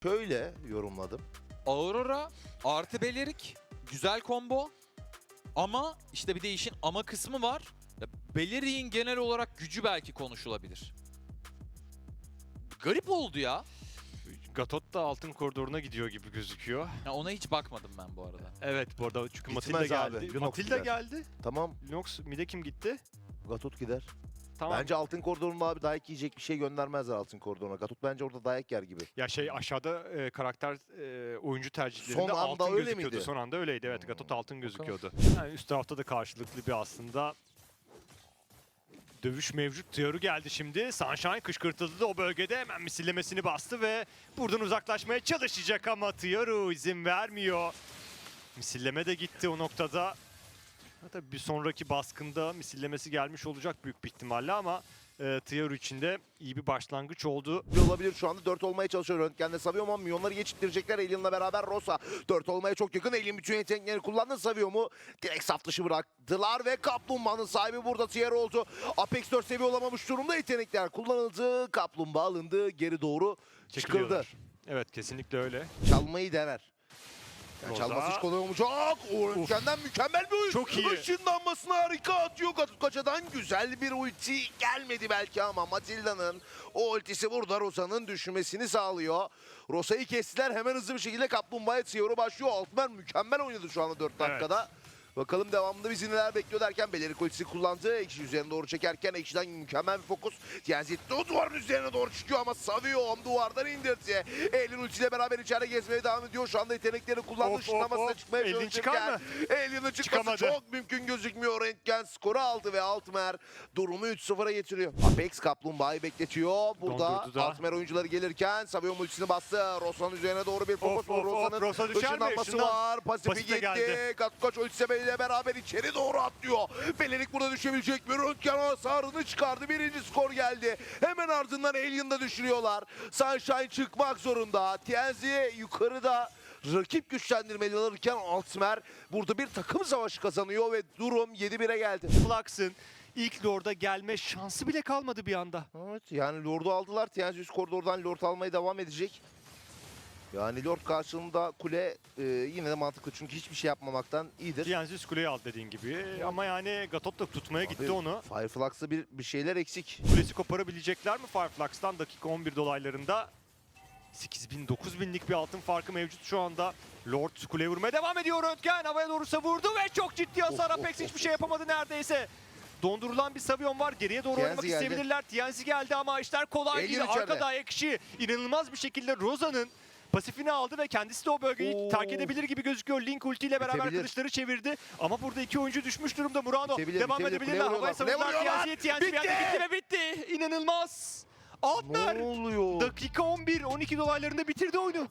Şöyle yorumladım. Aurora artı Belerik güzel combo. Ama işte bir de işin ama kısmı var. Ya, Belerik'in genel olarak gücü belki konuşulabilir. Garip oldu ya. Gatot da altın koridoruna gidiyor gibi gözüküyor. Ya ona hiç bakmadım ben bu arada. Evet bu arada çünkü Gitmez Matilda abi, geldi. Lunox Matilda gider. geldi. Tamam, Lunox mid'e kim gitti? Gatot gider. Tamam. Bence altın koridorunda abi dayak yiyecek bir şey göndermezler altın koridoruna. Gatot bence orada dayak yer gibi. Ya aşağıda karakter oyuncu tercihlerinde Son anda altın öyle gözüküyordu. miydi? Son anda öyleydi evet. Gatot altın gözüküyordu. Yani üst tarafta da karşılıklı bir aslında dövüş mevcut. Tiyaru geldi şimdi. Sunshine kışkırtıldı da o bölgede hemen misillemesini bastı ve buradan uzaklaşmaya çalışacak ama Tiyaru izin vermiyor. Misilleme de gitti o noktada. Tabii bir sonraki baskında misillemesi gelmiş olacak büyük bir ihtimalle ama Tiyaru için de iyi bir başlangıç oldu. Olabilir şu anda 4 olmaya çalışıyor. Röntgen'de Savio ama milyonları geçittirecekler. Alien'la beraber Rosa 4 olmaya çok yakın. Alien bütün yeteneklerini kullandı. Savio mu? Direkt saf dışı bıraktılar ve Kaplumbağa'nın sahibi burada Tier oldu. Apex 4 seviye olamamış durumda, yetenekler kullanıldı. Kaplumbağa alındı. Geri doğru çıkıldı. Çekiliyorlar. Evet kesinlikle öyle. Çalmayı dener. Yani Rosa. çalması hiç kolay olmayacak. O Röntgen'den mükemmel bir oyun. Çok iyi. Işınlanmasını harika atıyor. Katukaça'dan güzel bir ulti gelmedi belki ama Matilda'nın o ultisi burada Rosa'nın düşmesini sağlıyor. Rosa'yı kestiler. Hemen hızlı bir şekilde Kaplumbağa'ya Tiyor'u başlıyor. Altman mükemmel oynadı şu anda 4 dakikada. Bakalım devamında bizi neler bekliyor derken Belerik ultisi kullandı. Ekşi üzerine doğru çekerken Ekşi'den mükemmel bir fokus. Tienzi o duvarın üzerine doğru çıkıyor ama Savio duvardan indirdi. Alien ultiyle beraber içeride gezmeye devam ediyor. Şu anda yeteneklerini kullandı. Işınlamasına çıkmaya Alien çıkar çalışırken mı? Alien'ın çıkması Çıkamadı. çok mümkün gözükmüyor. Röntgen skoru aldı ve Altmer durumu 3-0'a getiriyor. Apex Kaplumbağa'yı bekletiyor. Burada Dondurdu da. Altmer oyuncuları gelirken Savio ultisini bastı. Rosa'nın üzerine doğru bir fokus. Rosa'nın Rosa düşer mi? ışınlanması Işından. var. Pasifi Pasif de gitti. geldi. Katkoç ultisiyle beraber içeri doğru atlıyor. Belerik burada düşebilecek mi? Röntgen hasarını çıkardı. Birinci skor geldi. Hemen ardından Alien'da düşürüyorlar. Sunshine çıkmak zorunda. Tienzi yukarıda rakip güçlendirmeli alırken Altmer burada bir takım savaşı kazanıyor ve durum 7-1'e geldi. Flux'ın ilk Lord'a gelme şansı bile kalmadı bir anda. Evet, yani Lord'u aldılar. Tienzi üst koridordan Lord almaya devam edecek. Yani Lord karşılığında kule yine de mantıklı çünkü hiçbir şey yapmamaktan iyidir. Tienzi üst kuleyi aldı dediğin gibi ama yani Gatot da tutmaya gitti Abi, onu. Fireflux'ta bir şeyler eksik. Kulesi koparabilecekler mi Fireflux'tan dakika 11 dolaylarında? 8.000-9.000'lik bir altın farkı mevcut şu anda. Lord kuleye vurmaya devam ediyor. Röntgen havaya doğru savurdu ve çok ciddi hasar. Apex hiçbir şey yapamadı neredeyse. Dondurulan bir Savion var. Geriye doğru Tienzi oynamak geldi. isteyebilirler. Tienzi geldi ama işler kolay Alien değil. içeride. Arkada ayak işi inanılmaz bir şekilde Rosa'nın pasifini aldı ve kendisi de o bölgeyi terk edebilir gibi gözüküyor. Link ultiyle beraber Bitebilir. kılıçları çevirdi. Ama burada iki oyuncu düşmüş durumda. Murano Bitebilir, devam bitebilir. edebilirler. Kule Havaya vuruyorlar, kule savurdular vuruyorlar. Tienzi'ye. Tienzi bir anda gitti ve bitti. İnanılmaz. Altmer Ne oluyor? dakika 11, 12 dolaylarında bitirdi oyunu.